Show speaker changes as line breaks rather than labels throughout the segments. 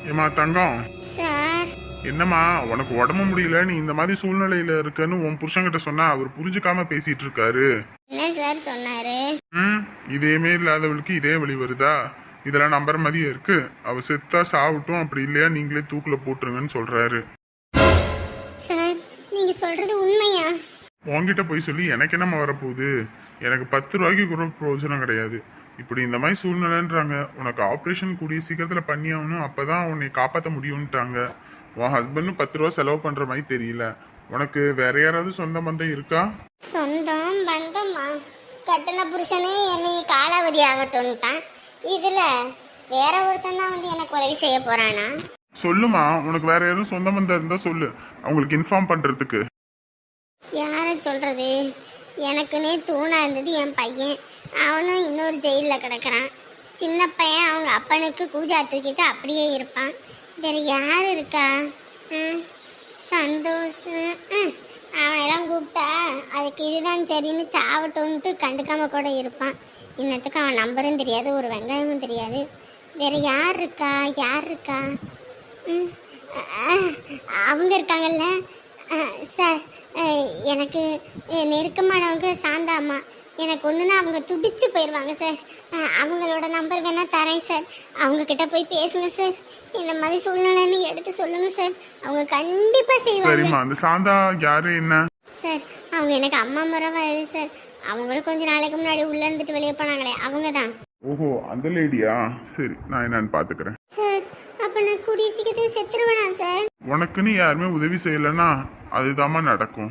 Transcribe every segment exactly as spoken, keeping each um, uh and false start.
ஏமா தங்கம்,
சார்.
என்னம்மா உனக்கு உடம்பு முடியல, நீ இந்த மாதிரி சூழ்நிலையில இருக்கன்னு உன் புருஷன்கிட்ட சொன்னா அவர் புரிஞ்சுக்காம பேசிட்டு இருக்காரு.
என்ன சார் சொன்னாரு?
ம் இதேமே இல்லாதவளுக்கு இதே வழி வருதா? இதெல்லாம் நம்புற மாதிரியே இருக்கு. அவ செத்தா சாவட்டும், அப்படி இல்லையா நீங்களே தூக்குல போட்டுருங்கன்னு சொல்றாரு.
சார் நீங்க சொல்றது உண்மையா?
உன்கிட்ட போய் சொல்லி எனக்கு என்னம்மா வரப்போகுது? எனக்கு பத்து ரூபாய்க்கு கூட பிரயோஜனம் கிடையாது. இப்படி இந்த மாதிரி சூழ்நிலைன்றாங்க. உனக்கு ஆப்ரேஷன் கூடிய சீக்கிரத்தில் பண்ணி ஆகணும், அப்பதான் உன்னை காப்பாற்ற முடியும்ட்டாங்க. உன் ஹஸ்பண்டும் பத்து ரூபா செலவு பண்ற மாதிரி தெரியல. உனக்கு வேற யாராவது சொந்த பந்தம் இருக்கா?
சொந்தம் பந்தமா? கட்டின புருஷனே என்னை காலாவதி ஆகட்டும்ட்டான். இதுல வேற ஒருத்தன் தான் வந்து எனக்கு உதவி செய்ய போறானா?
சொல்லுமா, உனக்கு வேற யாரும் சொந்த பந்தம் இருந்தா சொல்லு, அவங்களுக்கு இன்ஃபார்ம் பண்றதுக்கு.
யார சொல்றது? எனக்குன்னே தூணா இருந்தது என் பையன். அவனும் இன்னொரு ஜெயிலில் கிடக்குறான். சின்ன பையன் அவங்க அப்பனுக்கு கூஜா தூக்கிட்டு அப்படியே இருப்பான். வேற யார் இருக்கா? ம் சந்தோஷ். ம் அவனெல்லாம் கூப்பிட்டா அதுக்கு இதுதான் சரின்னு சாவட்டோன்ட்டு கண்டுக்காம கூட இருப்பான். இன்னத்துக்கு அவன் நம்பரும் தெரியாது, ஒரு வெங்காயமும் தெரியாது. வேற யார் இருக்கா? யார் இருக்கா? ம் அவங்க இருக்காங்கல்ல சார். எனக்கு நெருக்கமானவங்க சாந்தாம்மா. எனக்கு ஒன்றுனா அவங்க துடிச்சு போயிடுவாங்க சார். அவங்களோட நம்பர் வேணால் தரேன் சார். அவங்கக்கிட்ட போய் பேசுங்க சார். இந்த மாதிரி சூழ்நிலைன்னு எடுத்து சொல்லுங்க சார். அவங்க கண்டிப்பாக செய்வாங்க.
சரிம்மா, அந்த சாந்தா யாரு என்ன?
சார் அவங்க எனக்கு அம்மா முறவா இது சார். அவங்களும் கொஞ்ச நாளைக்கு முன்னாடி உள்ள இருந்துட்டு வெளியே போனாங்களே, அவங்க தான்.
ஓஹோ, அந்த லேடியா? சரி, நான் என்னன்னு பாத்துக்கிறேன்
சார். அப்போ நான் கூடிய சீக்கிரத்தை செத்துருவேனா சார்?
உனக்குன்னு யாருமே உதவி செய்யலைன்னா அதுதாம்மா நடக்கும்.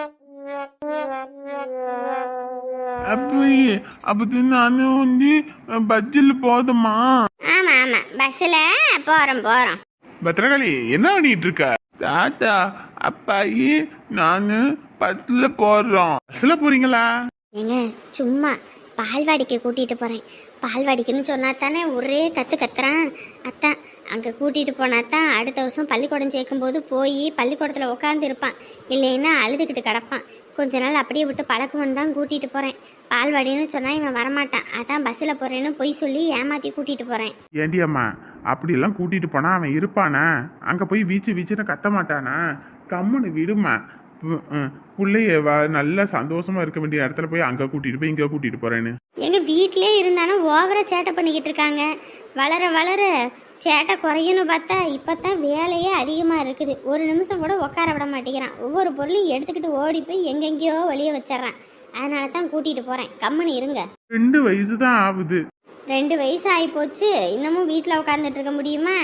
அப்பயே அப்படி நானும் வந்து பஸ்ஸில் போதுமா?
ஆமா ஆமா, பஸ்ல போறோம் போறோம்.
பத்ரகாளி, என்ன பண்ணிட்டு இருக்க?
தாத்தா அப்பாயி நானு பஸ்ஸில் போடுறோம்.
பஸ்ல போறீங்களா?
ஏங்க சும்மா பால்வாடிக்கு கூட்டிட்டு போறேன். பால்வாடிக்குன்னு சொன்னா தானே ஒரே கத்து கத்துறான். அத்தான் அங்கே கூட்டிகிட்டு போனா தான் அடுத்த வருஷம் பள்ளிக்கூடம் சேர்க்கும்போது போய் பள்ளிக்கூடத்தில் உட்காந்து இருப்பான். இல்லைன்னா அழுதுகிட்டு கிடப்பான். கொஞ்ச நாள் அப்படியே விட்டு பழக்கம்னு தான் கூட்டிகிட்டு போகிறேன். பால்வாடின்னு சொன்னால் இவன் வரமாட்டான். அதான் பஸ்ஸில் போகிறேன்னு பொய் சொல்லி ஏமாற்றி கூட்டிகிட்டு போகிறேன்.
ஏண்டி அம்மா, அப்படியெல்லாம் கூட்டிட்டு போனா அவன் இருப்பானா? அங்கே போய் வீச்சு வீச்சுன்னு கத்த மாட்டானா? கம்முன்னு விடுமா. பிள்ளைய வா நல்லா சந்தோஷமா இருக்க வேண்டிய இடத்துல போய் அங்கே கூட்டிட்டு போய் இங்கே கூட்டிட்டு போறேன்னு.
எங்கள் வீட்டிலே இருந்தாலும் ஓவராக சேட்டை பண்ணிக்கிட்டு இருக்காங்க. வளர வளர சேட்டை குறையுன்னு பார்த்தா இப்போ தான் வேலையே அதிகமாக இருக்குது. ஒரு நிமிஷம் கூட உட்கார விட மாட்டேங்கிறான். ஒவ்வொரு பொருளையும் எடுத்துக்கிட்டு ஓடி போய் எங்கெங்கேயோ வெளியே வச்சிட்றான். அதனால தான் கூட்டிகிட்டு போகிறேன். கம்முன்னு இருங்க.
ரெண்டு வயசு தான் ஆகுது.
ரெண்டு வயசு ஆகி போச்சு, இன்னமும் வீட்டில் உட்காந்துட்டு இருக்க முடியுமா?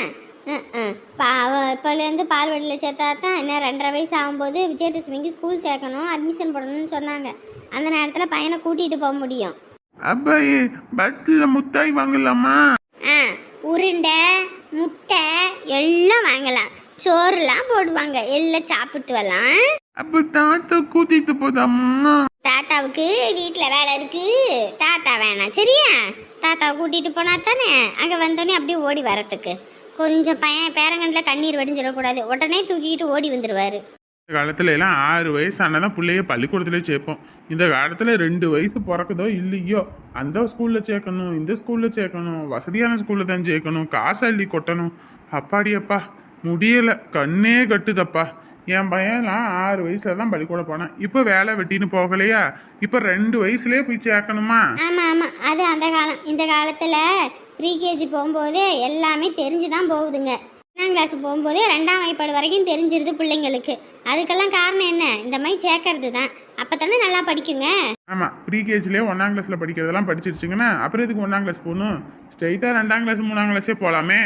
பா இப்போலேருந்து பால்வாடியில் சேர்த்தா தான் இன்னும் ரெண்டரை வயசு ஆகும்போது விஜயதசமிக்கு ஸ்கூல் சேர்க்கணும், அட்மிஷன் போடணும்னு சொன்னாங்க. அந்த நேரத்தில் பையனை கூட்டிகிட்டு போக முடியும்.
அப்பாயே பஸ்ஸில் முட்டாய் வாங்கலாமா?
ஆ உருண்டை முட்டை எல்லாம் வாங்கலாம். சோறுலாம் போடுவாங்க, எல்லாம் சாப்பிட்டு வரலாம்.
அப்போ தாத்தா கூட்டிட்டு போதாமா?
தாத்தாவுக்கு வீட்டில் வேலை இருக்கு, தாத்தா வேணாம் சரியா? தாத்தாவை கூட்டிகிட்டு போனா தானே அங்கே வந்தோடனே அப்படியே ஓடி வரத்துக்கு. கொஞ்சம் பையன் பேரங்கண்டில் கண்ணீர் வடிஞ்சிடக்கூடாது, உடனே தூக்கிக்கிட்டு ஓடி வந்துடுவார்.
இந்த காலத்துல எல்லாம் ஆறு வயசு ஆனதான் பிள்ளைய பள்ளிக்கூடத்துல சேர்ப்போம். இந்த காலத்துல ரெண்டு வயசு பிறக்குதோ இல்லையோ அந்த ஸ்கூல்ல சேர்க்கணும், இந்த ஸ்கூல்ல சேர்க்கணும், வசதியான ஸ்கூல்ல தான் சேர்க்கணும், காசு அள்ளி கொட்டணும். அப்பாடியப்பா முடியல, கண்ணே கட்டுதப்பா. என் பையன்லாம் ஆறு வயசுல தான் பள்ளிக்கூடம் போனான். இப்போ வேலை வெட்டின்னு போகலையா? இப்போ ரெண்டு வயசுலேயே போய் சேர்க்கணுமா?
ஆமாம் ஆமாம், அது அந்த காலம். இந்த காலத்தில் ப்ரீகேஜி போகும்போதே எல்லாமே தெரிஞ்சு தான் போகுதுங்க. ஒன்றாம் கிளாஸ் போகும்போதே ரெண்டாம் வகுப்பு வரைக்கும் தெரிஞ்சிருது பிள்ளைங்களுக்கு. அதுக்கெல்லாம் காரணம் என்ன? இந்த மாதிரி சேர்க்கறது தான். அப்போ தானே நல்லா படிக்குங்க.
ஆமாம், ப்ரீகேஜிலே ஒன்றாம் கிளாஸில் படிக்கிறதெல்லாம் படிச்சிருச்சுங்கன்னா அப்புறம் இதுக்கு ஒன்றாம் கிளாஸ் போகணும்? ஸ்ட்ரெயிட்டாக ரெண்டாம் கிளாஸ் மூணாம் கிளாஸே போகலாமே.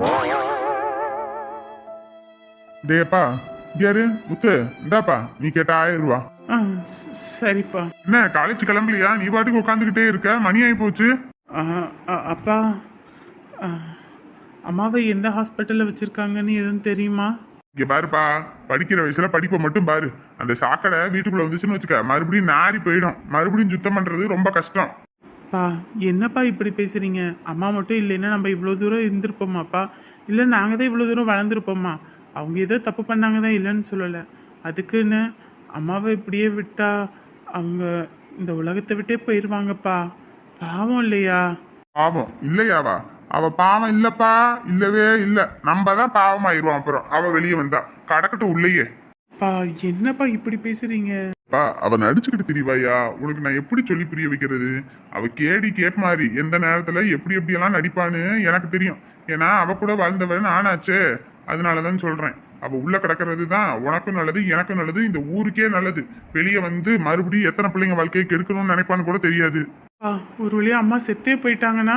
டேப்பா யாரு முத்து, இந்தாப்பா நீ கேட்ட ஆயிரம் ரூபா.
ஆ சரிப்பா.
என்ன காலேஜ் கிளம்பலையா? நீ பாட்டுக்கு உட்காந்துக்கிட்டே இருக்க, மணி ஆகி போச்சு.
அப்பா அம்மாவை எந்த ஹாஸ்பிட்டலில் வச்சுருக்காங்கன்னு எதுவும் தெரியுமா?
இங்கே பாருப்பா, படிக்கிற வயசுல படிப்பை மட்டும் பாரு. அந்த சாக்கடை வீட்டுக்குள்ளே வந்துச்சுன்னு வச்சுக்க, மறுபடியும் நாரி போயிடும். மறுபடியும் சுத்தம் பண்ணுறது ரொம்ப கஷ்டம்.
பா என்னப்பா இப்படி பேசுகிறீங்க? அம்மா மட்டும் இல்லைன்னா நம்ம இவ்வளோ தூரம் இருந்திருப்போமாப்பா? இல்லை நாங்கள் தான் இவ்வளோ தூரம் வளர்ந்துருப்போமா? அவங்க ஏதோ தப்பு பண்ணாங்க தான், இல்லைன்னு சொல்லலை. அதுக்குன்னு அம்மாவை இப்படியே விட்டா அவங்க இந்த உலகத்தை விட்டே போயிடுவாங்கப்பா. பாவம் இல்லையா?
பாவம் இல்லையாவா?
அவ பாவம் இல்லப்பா, இல்லவே இல்ல. நம்ம தான் பாவமாயிருவோம் அப்புறம் அவ வெளியே வந்தா. கடக்கட்டும் உள்ளேயே.
பா என்னப்பா இப்படி பேசுறீங்க?
பா அவ நடிச்சுக்கிட்டு திரிவாயா, உனக்கு நான் எப்படி சொல்லி புரிய வைக்கிறது? அவ கேடி கேப் மாதிரி எந்த நேரத்துல எப்படி எப்படி எல்லாம் நடிப்பான்னு எனக்கு தெரியும். ஏன்னா அவ கூட வாழ்ந்தவன் நானாச்சே, அதனாலதான் சொல்றேன். அவ உள்ள கிடக்கிறது தான் உனக்கும் நல்லது, எனக்கும் நல்லது, இந்த ஊருக்கே நல்லது. வெளியே வந்து மறுபடியும் எத்தனை பிள்ளைங்க வாழ்க்கையை கெடுக்கணும்னு நினைப்பான்னு கூட தெரியாது.
பா ஒரு வழியா அம்மா செத்தே போயிட்டாங்கன்னா?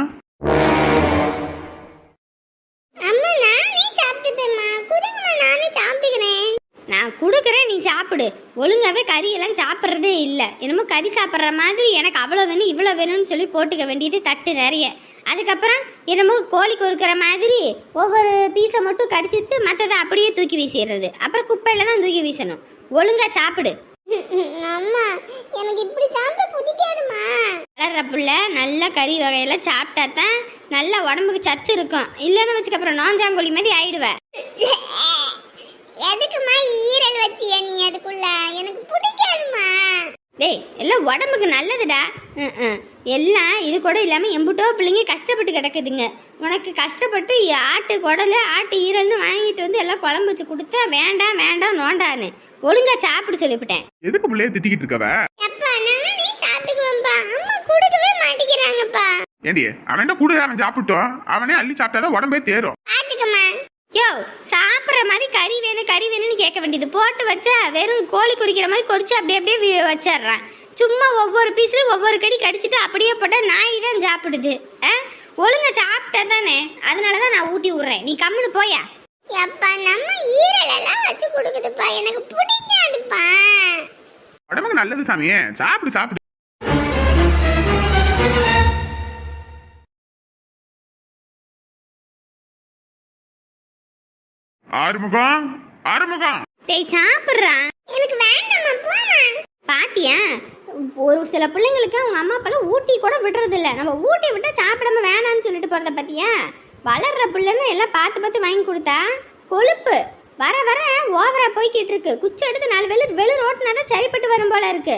அம்மா நானே சாப்பிட்டுட்டேம்மா, குடுங்கம்மா நானே சாப்பிட்டுக்கிறேன். நான் கொடுக்குறேன், நீ சாப்பிடு. ஒழுங்காவே கறியெல்லாம் சாப்பிட்றதே இல்லை. என்னமோ கறி சாப்பிட்ற மாதிரி எனக்கு அவ்வளோ வேணும் இவ்வளோ வேணும்னு சொல்லி போட்டுக்க வேண்டியது தட்டு நிறைய. அதுக்கப்புறம் என்னமோ கோழி கொறுக்கிற மாதிரி ஒவ்வொரு பீஸை மட்டும் கடிச்சிட்டு மற்றதை அப்படியே தூக்கி வீசிடுறது. அப்புறம் குப்பையில தான் தூக்கி வீசணும். ஒழுங்கா சாப்பிடு. அம்மா எனக்கு இப்படி சாப்பிட பிடிக்காதுமா. வளர்ற புள்ள நல்ல கறி வகையெல்லாம் சாப்பிட்டா தான் நல்ல உடம்புக்கு சத்து இருக்கும். இல்லைன்னு வச்சுக்க அப்புறம் நோஞ்சாங்கோழி மாதிரி ஆயிடுவேன். எதுக்குமா ஈரல் வச்சியா நீ அதுக்குள்ள? எனக்கு பிடிக்காதுமா. டேய் எல்லாம் உடம்புக்கு நல்லதுடா. ம் எல்லாம் இது கூட இல்லாமல் எம்புட்டோ பிள்ளைங்க கஷ்டப்பட்டு கிடக்குதுங்க. உனக்கு கஷ்டப்பட்டு ஆட்டு குடல் ஆட்டு ஈரல்னு வாங்கிட்டு வந்து எல்லாம் குழம்பு வச்சு கொடுத்தா வேண்டாம் வேண்டாம் நோண்டான்னு ஒழுங்கா சாப்பிடு சொல்லிவிட்டேன்.
எதுக்கு பிள்ளைய திட்டிக்கிட்டு இருக்கவ?
அப்பா நானே சாப்பிட்டுக்குவேன்ப்பா. அம்மா கொடுக்கவே மாட்டேங்கிறாங்கப்பா.
ஏண்டி அவன்கிட்ட கூட அவன் சாப்பிட்டோம், அவனே அள்ளி சாப்பிட்டாதான் உடம்பே தேரும்.
பாத்துக்கம்மா. யோ சாப்பிட்ற மாதிரி கறி வேணும் கறி வேணும்னு கேட்க வேண்டியது. போட்டு வச்சா வெறும் கோழி குறிக்கிற மாதிரி குறிச்சு அப்படியே அப்படியே வச்சிட்றான். சும்மா ஒவ்வொரு பீஸ்லையும் ஒவ்வொரு கடி கடிச்சிட்டு அப்படியே போட்டால் நாய் தான் சாப்பிடுது. ஆ ஒழுங்கா சாப்பிட்டா தானே, அதனால தான் நான் ஊட்டி விட்றேன். நீ கம்முன்னு போயா. எப்பா நம்ம ஈரலெல்லாம் வச்சு கொடுக்குதுப்பா, எனக்கு பிடிக்காதுப்பா.
உடம்புக்கு நல்லது சாமியே, சாப்பிடு சாப்பிடு. ஆறுமுகம் ஆறுமுகம்.
டேய் சாப்பிட்றான். எனக்கு வேண்டாம்மா போமா. பாத்தியா ஒரு சில பிள்ளைங்களுக்கு அவங்க அம்மா அப்பெல்லாம் ஊட்டி கூட விடுறது இல்லை. நம்ம ஊட்டி விட்டா சாப்பிடாம வேணான்னு சொல்லிட்டு போறத பாத்தியா? வளர்ற பிள்ளைன்னு எல்லாம் பார்த்து பார்த்து வாங்கி கொடுத்தா கொழுப்பு வர வர ஓவரா போய்கிட்டு இருக்கு. குச்சி எடுத்து நாலு வெளு வெளு ரோட்டினாதான் சரிப்பட்டு வரும் போல இருக்கு.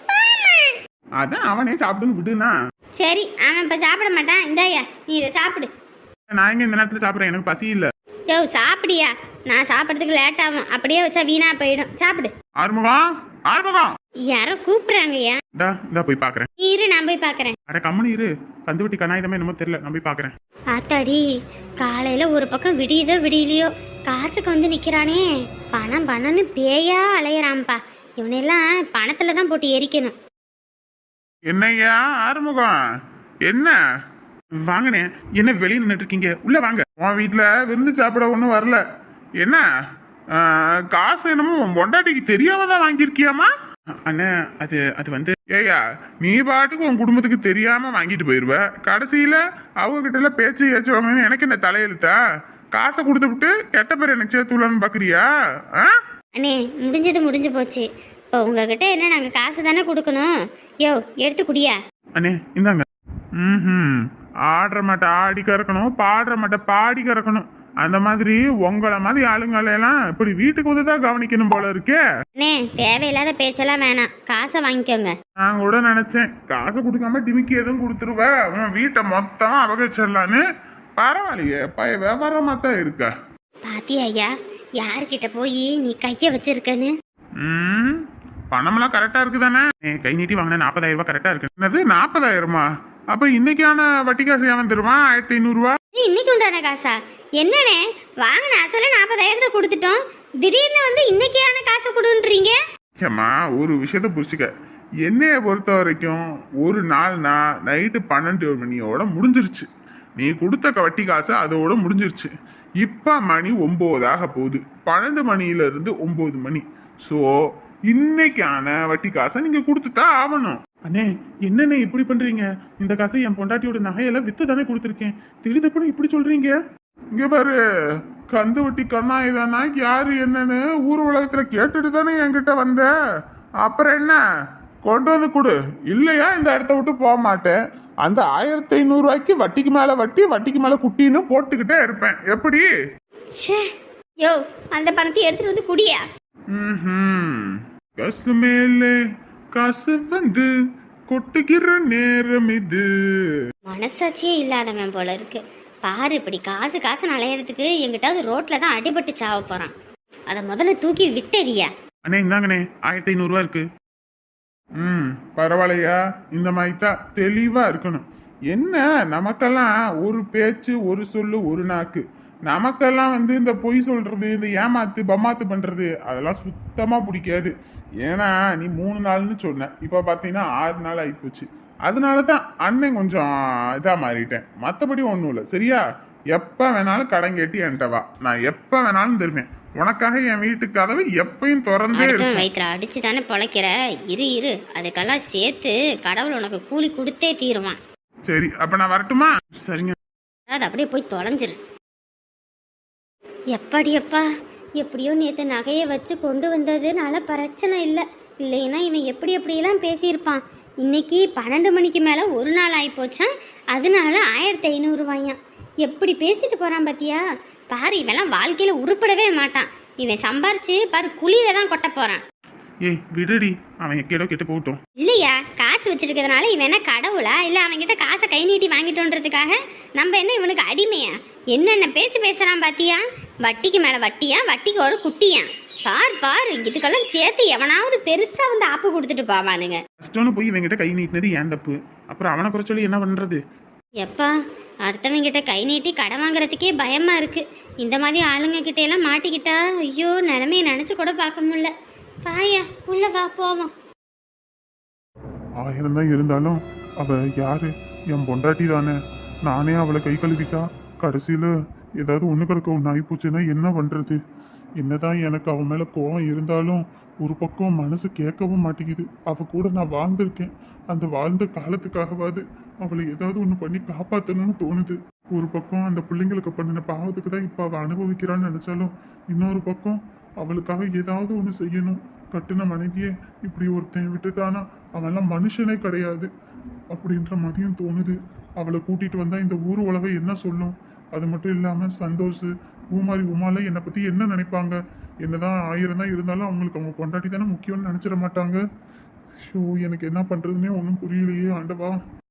அதான் அவனே சாப்பிடுன்னு விடுனா.
சரி அவன் இப்ப சாப்பிட மாட்டான். இந்தாயா நீ இதை சாப்பிடு.
நான் எங்க இந்த நேரத்துல சாப்பிட்றேன், எனக்கு பசி இல்ல.
யோ சாப்பிடியா? நான் சாப்பிட்றதுக்கு லேட் ஆகும், அப்படியே வச்சா வீணா போயிடும். சாப்பிடு.
ஆறுமுகம் ஆறுமுகம்.
யாரோ கூப்பிடுறாங்கய்யா.
டா இந்தா போய் பாக்குறேன்.
இரு நான் போய் பாக்குறேன்.
அட கம்மனு இரு, கந்துவட்டி கண்ணாயுதமே என்னமோ தெரியல, நான் போய் பாக்குறேன்.
ஆத்தாடி காலையில ஒரு பக்கம் விடியுதோ விடியலையோ காசுக்கு வந்து நிக்கிறானே. பணம் பணம்னு பேயா அலையறான்பா. இவனெல்லாம் பணத்துல தான் போட்டு எரிக்கணும்.
என்னய்யா ஆறுமுகம், என்ன
வாங்கண்ணே, என்ன வெளியே நின்றுட்டு இருக்கீங்க? உள்ள வாங்க.
உன் வீட்டுல விருந்து சாப்பிட ஒண்ணும் வரல. என்ன காசு என்னமோ உன் பொண்டாட்டிக்கு தெரியாம தான் வாங்கியிருக்கியாமா?
அண்ணே அது அது வந்து
ஏய்யா நீ பாட்டுக்கு உன் குடும்பத்துக்கு தெரியாம வாங்கிட்டு போயிருவ. கடைசியில அவங்க கிட்ட எல்லாம் பேச்சு ஏச்சுவாங்கன்னு எனக்கு என்ன தலையெழுத்தா? காசை கொடுத்து விட்டு கெட்ட பேர் எனக்கு சேர்த்துலான்னு பாக்குறியா?
அண்ணே முடிஞ்சது முடிஞ்சு போச்சு. இப்போ உங்ககிட்ட என்ன நாங்க காசு தானே கொடுக்கணும். யோ எடுத்து குடியா.
அண்ணே இந்தாங்க.
ம் ஆடுற மாட்ட ஆடி கறக்கணும், பாடுற மாட்ட பாடி கறக்கணும். அந்த மாதிரி உங்களை மாதிரி ஆளுங்களெல்லாம் இப்படி வீட்டுக்கு வந்து தான் கவனிக்கணும் போல இருக்கே.
அண்ணே தேவையில்லாத பேச்செல்லாம் வேணாம், காசை வாங்கிக்கோங்க.
நான் கூட நினைச்சேன் காசை கொடுக்காம டிமிக்கி எதுவும் கொடுத்துருவ, உன் வீட்டை மொத்தம் அபகரிச்சிடலான்னு. பரவாயில்லையே பய வியாபாரமா தான் இருக்க.
பாத்தியா ஐயா யார்கிட்ட போய் நீ கைய வச்சிருக்கன்னு?
ம் பணமெல்லாம் கரெக்டா இருக்குதானே?
கை நீட்டி வாங்கின நாற்பதாயிரம் ரூபாய் கரெக்டா இருக்கு.
என்னது நாற்பதாயிரமா? அப்ப இன்னைக்கான வட்டி காசு ஏன் தருவான்? ஆயிரத்தி ஐநூறு ரூபா
இன்னைக்கு உண்டான காசா? என்னண்ணே வாங்கின அசல நாற்பதாயிரத்தை கொடுத்துட்டோம், திடீர்னு வந்து இன்னைக்கான காசை கொடுன்றீங்க.
ஏம்மா ஒரு விஷயத்த புரிச்சுக்க. என்னைய பொறுத்த வரைக்கும் ஒரு நாள்னா நைட்டு பன்னெண்டு மணியோட முடிஞ்சிருச்சு. நீ கொடுத்த வட்டி காசு அதோட முடிஞ்சிருச்சு. இப்ப மணி ஒன்பதாக போகுது. பன்னெண்டு மணில இருந்து ஒன்பது மணி. ஸோ இன்னைக்கான வட்டி காசை நீங்க கொடுத்துதான் ஆகணும்.
அண்ணே என்னண்ணே இப்படி பண்றீங்க? இந்த காசை என் பொண்டாட்டியோட நகையெல்லாம் வித்து தானே கொடுத்துருக்கேன், திடீர்னு இப்படி சொல்றீங்க?
இங்க பாரு, கந்து வட்டி கண்ணாயுதானா யாரு என்னன்னு ஊர் உலகத்துல கேட்டுட்டு தானே என்கிட்ட வந்த. அப்புறம் என்ன கொண்டு வந்து கொடு, இல்லையா இந்த இடத்த விட்டு போக மாட்டேன். அந்த ஆயிரத்தி ஐநூறு ரூபாய்க்கு வட்டிக்கு மேல வட்டி வட்டிக்கு மேல குட்டின்னு போட்டுக்கிட்டே இருப்பேன். எப்படி?
யோ அந்த பணத்தை எடுத்துட்டு வந்து குடியா.
ம் காசு மேலே காசு வந்து கொட்டுகிற நேரம் இது.
மனசாட்சியே இல்லாதவன் போல இருக்கு.
பாரு இப்படி காசு காசு அலையிறதுக்கு எங்கிட்டாவது ரோட்ல தான் அடிபட்டு சாவ போறான். அதை முதல்ல தூக்கி விட்டறியா.
அண்ணே இந்தாங்கண்ணே ஆயிரத்தி ஐநூறுரூவா இருக்கு.
ம் பரவாயில்லையா, இந்த மாதிரி தான் தெளிவா இருக்கணும். என்ன நமக்கெல்லாம் ஒரு பேச்சு ஒரு சொல்லு ஒரு நாக்கு, நமக்கெல்லாம் வந்து இந்த பொய் சொல்றது இந்த ஏமாத்து பம்மாத்து பண்றது அதெல்லாம் சுத்தமா பிடிக்காது. ஏன்னா நீ மூணு நாள்னு சொன்ன, இப்போ பார்த்தீங்கன்னா ஆறு நாள் ஆகிப்போச்சு. அதனால தான் அண்ணன் கொஞ்சம் இதாக மாறிட்டேன், மற்றபடி ஒன்றும் இல்லை. சரியா, எப்போ வேணாலும் கடன் கேட்டி என்கிட்ட வா, நான் எப்போ வேணாலும் தருவேன் உனக்காக. என் வீட்டு கதவு எப்பயும் திறந்தே இருக்கும்.
வயிற்றுல அடிச்சு தானே பொழைக்கிற, இரு இரு அதுக்கெல்லாம் சேர்த்து கடவுள் உனக்கு கூலி கொடுத்தே தீருவான்.
சரி அப்ப நான் வரட்டுமா?
சரிங்க.
அது அப்படியே போய் தொலைஞ்சிரு. எப்படி அப்பா எப்படியோ நேற்று நகையை வச்சு கொண்டு வந்ததுனால பிரச்சனை இல்லை, இல்லைன்னா இவன் எப்படி எப்படியெல்லாம் பேசியிருப்பான். இன்னைக்கு பன்னெண்டு மணிக்கு மேலே ஒரு நாள் ஆகிப்போச்சான், அதனால ஆயிரத்தி ஐநூறுரூவாயான். எப்படி பேசிட்டு போகிறான் பார்த்தியா? பாரு இவெல்லாம் வாழ்க்கையில் உருப்படவே மாட்டான். இவன் சம்பாரிச்சு பாரு குழியில தான் கொட்ட போகிறான்.
ஏய் விடுடி, அவன் எக்கேடோ கெட்டு போகட்டும்.
இல்லையா, காசு வச்சிருக்கிறதுனால இவன் என்ன கடவுளா? இல்லை அவன்கிட்ட காசை கை நீட்டி வாங்கிட்டோன்றதுக்காக நம்ம என்ன இவனுக்கு அடிமையா? என்னென்ன பேச்சு பேசுகிறான் பார்த்தியா? வட்டிக்கு மேலே வட்டியா, வட்டிக்கு ஒரு குட்டியா? பார் பார் இதுக்கெல்லாம் சேர்த்து எவனாவது பெருசாக வந்து ஆப்பு கொடுத்துட்டு போவானுங்க.
கஷ்டம்னு போய் இவங்கிட்ட கை நீட்டினது ஏன் தப்பு, அப்புறம் அவனை குறை சொல்லி என்ன பண்ணுறது?
எப்பா அடுத்தவங்கிட்ட கை நீட்டி கடன் வாங்குறதுக்கே பயமா இருக்கு. இந்த மாதிரி ஆளுங்க கிட்ட எல்லாம் மாட்டிக்கிட்டா ஐயோ நிலைமையை நினைச்சு கூட பார்க்க முடியல. பாயா உள்ள வா போவோம்.
ஆயிரம் தான் இருந்தாலும் அவ யாரு? என் பொண்டாட்டி தானே. நானே அவளை கை கழுவிட்டா கடைசியில ஏதாவது ஒண்ணு கிடக்க ஒன்று ஆகிப்போச்சுன்னா என்ன பண்றது? என்னதான் எனக்கு அவன் மேல கோவம் இருந்தாலும் ஒரு பக்கம் மனசு கேட்கவும் மாட்டேங்குது. அவ கூட நான் வாழ்ந்திருக்கேன், அந்த வாழ்ந்த காலத்துக்காகவாது அவளை ஏதாவது ஒன்று பண்ணி காப்பாற்றணும்னு தோணுது. ஒரு பக்கம் அந்த பிள்ளைங்களுக்கு பண்ணின பாவத்துக்கு தான் இப்போ அவள் அனுபவிக்கிறான்னு நினைச்சாலும் இன்னொரு பக்கம் அவளுக்காக ஏதாவது ஒன்று செய்யணும். கட்டுன மனைவியே இப்படி ஒருத்தன் விட்டுட்டானா அவன்லாம் மனுஷனே கிடையாது அப்படின்ற மாதிரியும் தோணுது. அவளை கூட்டிட்டு வந்தா இந்த ஊர் உலகை என்ன சொல்லும்? அது மட்டும் இல்லாம சந்தோஷ் பூமாரி உமால என்னை பத்தி என்ன நினைப்பாங்க? என்னதான் ஆயிரம் தான் இருந்தாலும் அவங்களுக்கு அவங்க கொண்டாடி தானே முக்கியம்னு நினைச்சிட மாட்டாங்க. ஷோ எனக்கு என்ன பண்றதுன்னே ஒன்றும் புரியலையே ஆண்டவா.